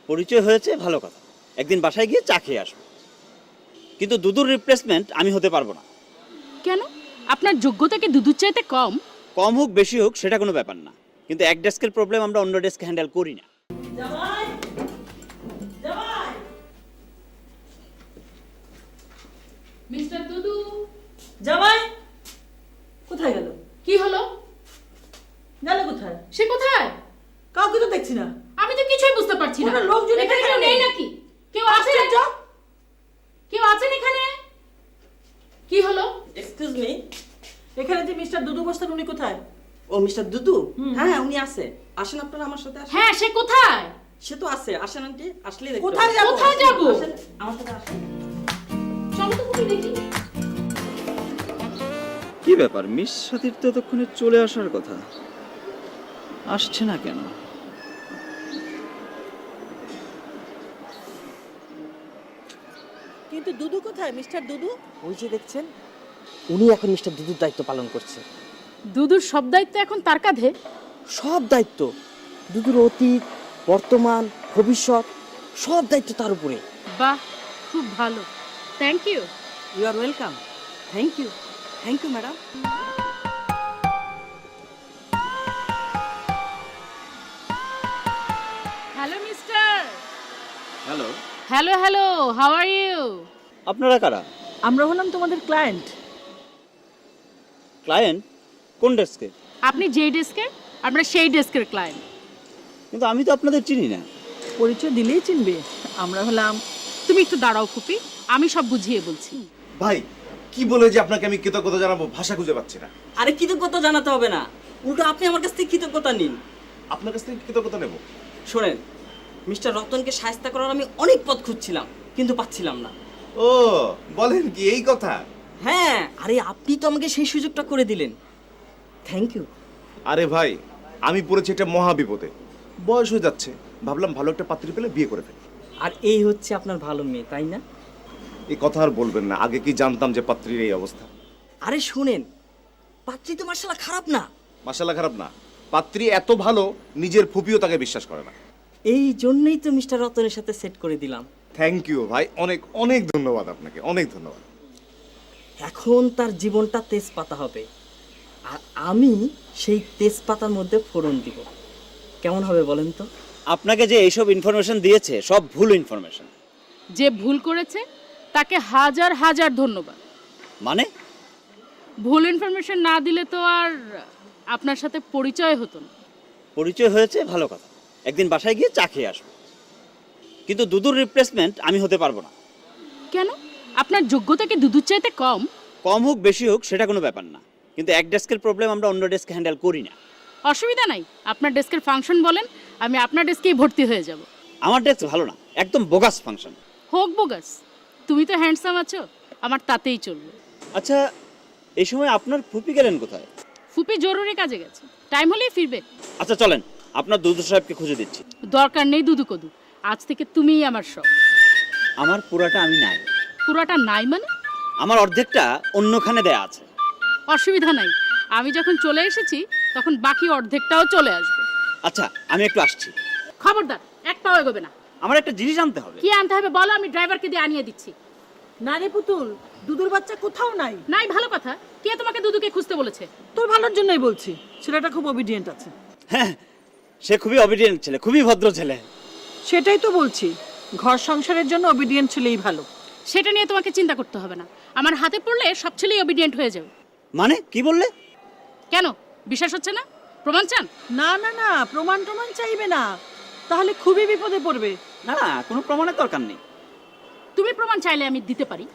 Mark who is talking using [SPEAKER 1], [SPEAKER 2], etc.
[SPEAKER 1] পরিচয় হয়েছে ভালো কথা, একদিন বাসায় গিয়ে চা খেয়ে আসবো। কিন্তু দুদুর রিপ্লেসমেন্ট আমি হতে পারবো না।
[SPEAKER 2] কেন? আপনার যোগ্যতা কি দুদুর চাইতে কম?
[SPEAKER 1] কম হোক বেশি হোক সেটা কোনো ব্যাপার না, কিন্তু এক ডেস্কের প্রবলেম আমরা অন্য ডেস্ক হ্যান্ডেল করি না।
[SPEAKER 3] জামাই জামাই
[SPEAKER 2] মিস্টার দুদু,
[SPEAKER 3] জামাই কোথায় গেল?
[SPEAKER 2] কি হলো?
[SPEAKER 3] গেল কোথায়?
[SPEAKER 2] সে কোথায়?
[SPEAKER 3] কাউকে তো দেখছি না।
[SPEAKER 2] আমি তো কিছুই বুঝতে পারছি না।
[SPEAKER 3] কোনো লোকজন
[SPEAKER 2] এখানে
[SPEAKER 3] এখানে
[SPEAKER 2] কেউ নেই
[SPEAKER 3] নেই।
[SPEAKER 2] নাকি? কেউ আছে? কেউ আছেন এখানে? কি হলো?
[SPEAKER 4] এক্সকিউজ মি,
[SPEAKER 3] এখানে যে মিস্টার দুদু বসতেন উনি কোথায়?
[SPEAKER 4] ও মিস্টার দুদু? হ্যাঁ উনি আছে, আসেন আপনারা আমার সাথে আসেন।
[SPEAKER 2] হ্যাঁ, সে কোথায়?
[SPEAKER 4] সে তো আছে, আসেন আন্টি, আসলেই দেখতে
[SPEAKER 3] কোথায়
[SPEAKER 4] পাবেন।
[SPEAKER 3] যাবো?
[SPEAKER 2] কোথায় যাবো?
[SPEAKER 4] আসেন, আমার সাথে আসেন।
[SPEAKER 2] চলো তো খুবই দেখি।
[SPEAKER 1] কি ব্যাপার, মিস সাথীর তো ততক্ষণে চলে আসার কথা, আসছে না কেন?
[SPEAKER 3] কিন্তু দুদু কোথায়? মিস্টার দুদু?
[SPEAKER 4] ওই যে দেখছেন, উনি এখন মিস্টার দুদুর দায়িত্ব পালন করছে।
[SPEAKER 2] দুদুর সব দায়িত্ব এখন তার কাঁধে।
[SPEAKER 4] সব দায়িত্ব, দুদুর অতীত, বর্তমান, ভবিষ্যৎ, সব দায়িত্ব তার উপরে।
[SPEAKER 2] বাহ, খুব ভালো। Thank you.
[SPEAKER 4] You are welcome. Thank you, thank you madam.
[SPEAKER 2] Hello mister.
[SPEAKER 1] Hello,
[SPEAKER 2] hello hello, how are you?
[SPEAKER 1] আপনারা কারা?
[SPEAKER 3] আমরা হলাম তোমাদের ক্লায়েন্ট।
[SPEAKER 1] ক্লায়েন্ট? কোন ডেস্কে?
[SPEAKER 2] আপনি যেই ডেস্কের, আমরা সেই ডেস্কের ক্লায়েন্ট।
[SPEAKER 1] কিন্তু আমি তো আপনাদের চিনি না।
[SPEAKER 3] পরিচয় দিলেই চিনবে। আমরা হলাম।
[SPEAKER 2] তুমি একটু দাঁড়াও খুপি, আমি সব বুঝিয়ে বলছি।
[SPEAKER 5] ভাই কি বলে যে আপনাকে আমি কৃতজ্ঞতা জানাবো, ভাষা খুঁজে পাচ্ছি না।
[SPEAKER 4] আরে কৃতজ্ঞতা জানাতে হবে না, উল্টো আপনি আমার কাছ থেকে কৃতজ্ঞতা নিন।
[SPEAKER 5] আপনার কাছ থেকে কৃতজ্ঞতা নেব?
[SPEAKER 4] শোনেন, মিস্টার রতনকে সাহায্য করার আমি অনেক পথ খুঁজছিলাম, কিন্তু পাচ্ছিলাম না।
[SPEAKER 5] ও বলেন কি, এই কথা?
[SPEAKER 4] হ্যাঁ, আরে আপনি তো আমাকে সেই সুযোগটা করে দিলেন। Thank you.
[SPEAKER 5] আরে ভাই, আমি পড়েছি একটা মহা বিপদে, বয়স হয়ে যাচ্ছে, ভাবলাম ভালো একটা পাত্রী পেলে বিয়ে করে ফেলি।
[SPEAKER 4] আর এই হচ্ছে আপনার ভালো মেয়ে, তাই না?
[SPEAKER 5] এই কথা আর বলবেন না, আগে কি জানতাম যে পাত্রীর এই অবস্থা।
[SPEAKER 4] আরে শুনেন, পাত্রী তো মার্শাল্লাহ খারাপ না।
[SPEAKER 5] মাশাআল্লাহ খারাপ না, পাত্রী এত ভালো নিজের ফুপিও তাকে বিশ্বাস করে না।
[SPEAKER 4] এই জন্যই তো মিস্টার রতনের সাথে সেট করে দিলাম।
[SPEAKER 5] থ্যাংক ইউ ভাই, অনেক অনেক ধন্যবাদ আপনাকে, অনেক ধন্যবাদ।
[SPEAKER 4] এখন তার জীবনটা তেজপাতা হবে, আর আমি সেই তেজপাতার মধ্যে ফোড়ন দিব। কেমন হবে বলেন তো?
[SPEAKER 1] আপনাকে যে এইসব ইনফরমেশন দিয়েছে সব ভুল ইনফরমেশন।
[SPEAKER 2] যে ভুল করেছে তাকে হাজার হাজার ধন্যবাদ।
[SPEAKER 1] মানে?
[SPEAKER 2] ভুল ইনফরমেশন না দিলে তো আর আপনার সাথে পরিচয় হতো না।
[SPEAKER 1] পরিচয় হয়েছে ভালো কথা, একদিন বাসায় গিয়ে চা খেয়ে আসবো। কিন্তু দুদুর রিপ্লেসমেন্ট আমি হতে পারবো না।
[SPEAKER 2] কেন? আপনার যোগ্যতা কি দুদুর চাইতে কম?
[SPEAKER 1] কম হোক বেশি হোক সেটা কোনো ব্যাপার না, কিন্তু এক ডেস্কের প্রবলেম আমরা অন্য ডেস্ক হ্যান্ডেল করি না।
[SPEAKER 2] অসুবিধা নাই, আপনার ডেস্কের ফাংশন বলেন, আমি আপনার ডেস্কেই ভর্তি হয়ে যাব।
[SPEAKER 1] আমার ডেস্ক ভালো না, একদম বোগাস ফাংশন।
[SPEAKER 2] হোক বোগাস, তুমি তো হ্যান্ডসাম আছো, আমার তাতেই চলবে।
[SPEAKER 1] আচ্ছা, এই সময় আপনার ফুপি গেলেন কোথায়?
[SPEAKER 2] ফুপি জরুরি কাজে গেছে, টাইম হলেই ফিরবে।
[SPEAKER 1] আচ্ছা চলেন, আপনার দুদু সাহেবকে খুঁজে দিচ্ছি।
[SPEAKER 2] দরকার নেই দুদু কদু, আজ থেকে তুমিই আমার সব।
[SPEAKER 1] আমার পুরাটা আমি নাই।
[SPEAKER 2] পুরাটা নাই মানে?
[SPEAKER 1] আমার অর্ধেকটা অন্যখানে দেয়া আছে।
[SPEAKER 2] অসুবিধা নাই, আমি যখন চলে এসেছি তখন বাকি অর্ধেকটাও চলে আসবে।
[SPEAKER 1] আচ্ছা আমি একটু আসছি।
[SPEAKER 2] খবরদার, এক পাও এগোবে না।
[SPEAKER 1] আমার একটা জিনিস আনতে হবে।
[SPEAKER 2] কি আনতে হবে বলো, আমি ড্রাইভারকে দিয়ে আনিয়ে দিচ্ছি।
[SPEAKER 3] না রে পুতুল, দুদুর বাচ্চা কোথাও নাই।
[SPEAKER 2] নাই ভালো কথা, কে তোমাকে দুদুকে খুঁজতে বলেছে?
[SPEAKER 3] তোর ভালোর জন্যই বলছি, ছেলেটা খুব অবিডিয়েন্ট আছে।
[SPEAKER 1] হ্যাঁ, সে খুবই অবিডিয়েন্ট ছেলে, খুবই ভদ্র ছেলে।
[SPEAKER 3] সেটাই তো বলছি, ঘর সংসারের জন্য অবিডিয়েন্ট ছেলেই ভালো।
[SPEAKER 2] সেটা নিয়ে তোমাকে চিন্তা করতে হবে না, আমার হাতে পড়লে সব ছেলেই অবিডিয়েন্ট হয়ে যাবে।
[SPEAKER 1] মানে কি বললে?
[SPEAKER 2] কেন বিশ্বাস হচ্ছে না? প্রমাণ চান?
[SPEAKER 3] না না না, প্রমাণ টমাণ চাইবে না, তাহলে খুবই বিপদে পড়বে।
[SPEAKER 1] না না, কোনো প্রমাণের দরকার নেই।
[SPEAKER 2] তুমি প্রমাণ চাইলে আমি দিতে পারি।